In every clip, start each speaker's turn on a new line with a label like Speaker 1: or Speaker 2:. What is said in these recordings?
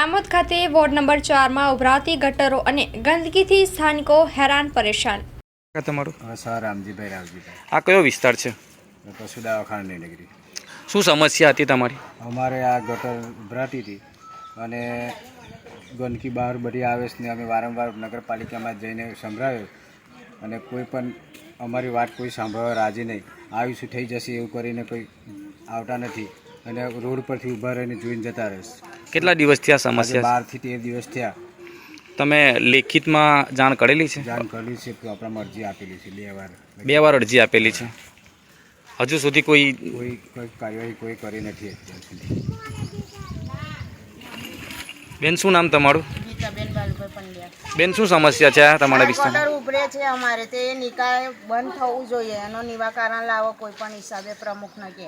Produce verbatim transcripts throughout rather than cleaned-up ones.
Speaker 1: આમોદ ખાતે ward number ચાર માં ઉભરાતી ગટરો અને ગંદકીથી સ્થાનિકો હેરાન પરેશાન।
Speaker 2: તમારું
Speaker 3: સર રામજીભાઈ રાવજીભાઈ
Speaker 2: આ કયો વિસ્તાર છે?
Speaker 3: પશુ દવાખાનાની નગરી।
Speaker 2: શું સમસ્યા હતી તમારી?
Speaker 3: અમારે આ ગટર ઉભરાતી હતી અને ગંદકી બહાર બધી આવે છે ને અમે વારંવાર નગરપાલિકામાં જઈને સંભળાવ્યો અને કોઈ પણ અમારી વાત કોઈ સાંભળવા રાજી નહીં। આવીશું થઈ જશે એવું કરીને કોઈ આવતા નથી અને રોડ પરથી ઊભા રહીને જોઈને જતા રહેશે।
Speaker 2: કેટલા દિવસથી આ સમસ્યા?
Speaker 3: બારથી તેર દિવસ થયા।
Speaker 2: તમે લેખિતમાં જાણ કરેલી છે?
Speaker 3: જાણ કરેલી છે, આપણામાં અરજી આપેલી છે બે વાર
Speaker 2: બે વાર અરજી આપેલી છે, હજુ સુધી કોઈ
Speaker 3: કોઈ કોઈ કાર્યવાહી કોઈ કરી નથી અત્યાર સુધી।
Speaker 2: બેન શું નામ તમારું?
Speaker 4: ગીતાબેન બાલુભાઈ પંડ્યા।
Speaker 2: બેન શું સમસ્યા છે આ તમારા વિસ્તારમાં?
Speaker 4: ગટર ઉભરે છે અમારે, તે નિકાલ બંધ થવું જોઈએ, એનો નિવારણ લાવો કોઈ પણ હિસાબે પ્રમુખને કે।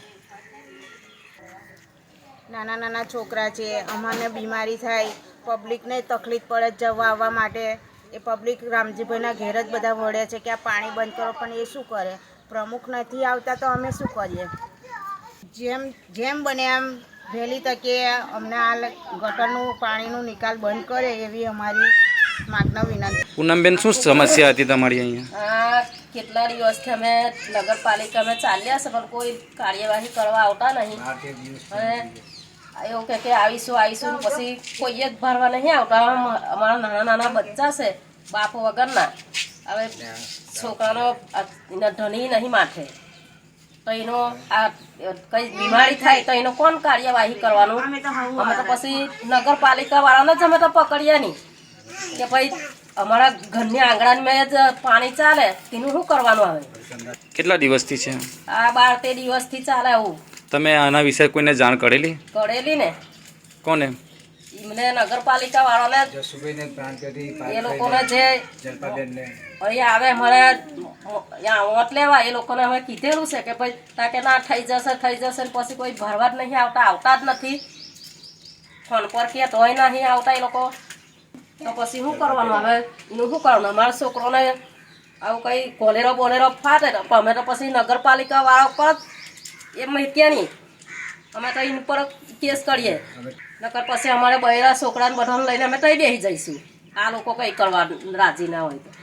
Speaker 4: નાના નાના છોકરા છે, અમારને બીમારી થાય, પબ્લિકને તકલીફ પડે જવા આવવા માટે। એ પબ્લિક રામજીભાઈના ઘેર જ બધા વળે છે કે આ પાણી બંધ કરો, પણ એ શું કરે? પ્રમુખ નથી આવતા તો અમે શું કરીએ? જેમ જેમ બને એમ વહેલી તકે અમને આ ગટરનું પાણીનું નિકાલ બંધ કરે એવી અમારી માગના વિનંતી।
Speaker 2: પૂનમબેન શું સમસ્યા હતી તમારી અહીંયા?
Speaker 5: આ કેટલા દિવસથી અમે નગરપાલિકામાં ચાલ્યા છે પણ કોઈ કાર્યવાહી કરવા આવતા નહીં અને એવું કહે કે આવીશું આવીશું પછી કોઈ જ ભરવા નહીં આવતા। અમારા નાના નાના બચ્ચા છે બાપ વગરના, હવે છોકરાનો ધણી નહીં માથે તો એનો આ કઈ બીમારી થાય તો એનો કોણ કાર્યવાહી કરવાનું? અમે તો પછી નગરપાલિકા વાળાને જ અમે તો પકડીએ નહીં કે ભાઈ અમારા ઘરની આંગણામાં જ પાણી ચાલે તેનું શું કરવાનું? આવે
Speaker 2: કેટલા દિવસથી છે
Speaker 5: આ બાર તેર દિવસથી ચાલે આવું।
Speaker 2: તમે આના વિશે કોઈને જાણ કરેલી?
Speaker 5: કરેલી ને।
Speaker 2: કોને?
Speaker 5: એમને નગરપાલિકા વાળાને એ લોકોને જે અહીં આવે અમારે વોટ લેવા એ લોકોને અમે કીધેલું છે કે ભાઈ તાકે ના થઈ જશે થઈ જશે ને પછી કોઈ ભરવા જ નહીં આવતા, આવતા જ નથી। ફોન પર કે તોય નહીં આવતા એ લોકો, તો પછી શું કરવાનું? હવે એનું શું કરવાનું? અમારા છોકરોને આવું કંઈ કોલેરો બોલેરો ફાટે તો અમે તો પછી નગરપાલિકા વાળા ઉપર એ મૂક્યા નહીં, અમે તો એની પર કેસ કરીએ નકર પછી અમારે બૈરા છોકરાને બધાને લઈને અમે તઈ બેસી જઈશું આ લોકો કંઈ કરવા રાજી ના હોય તો।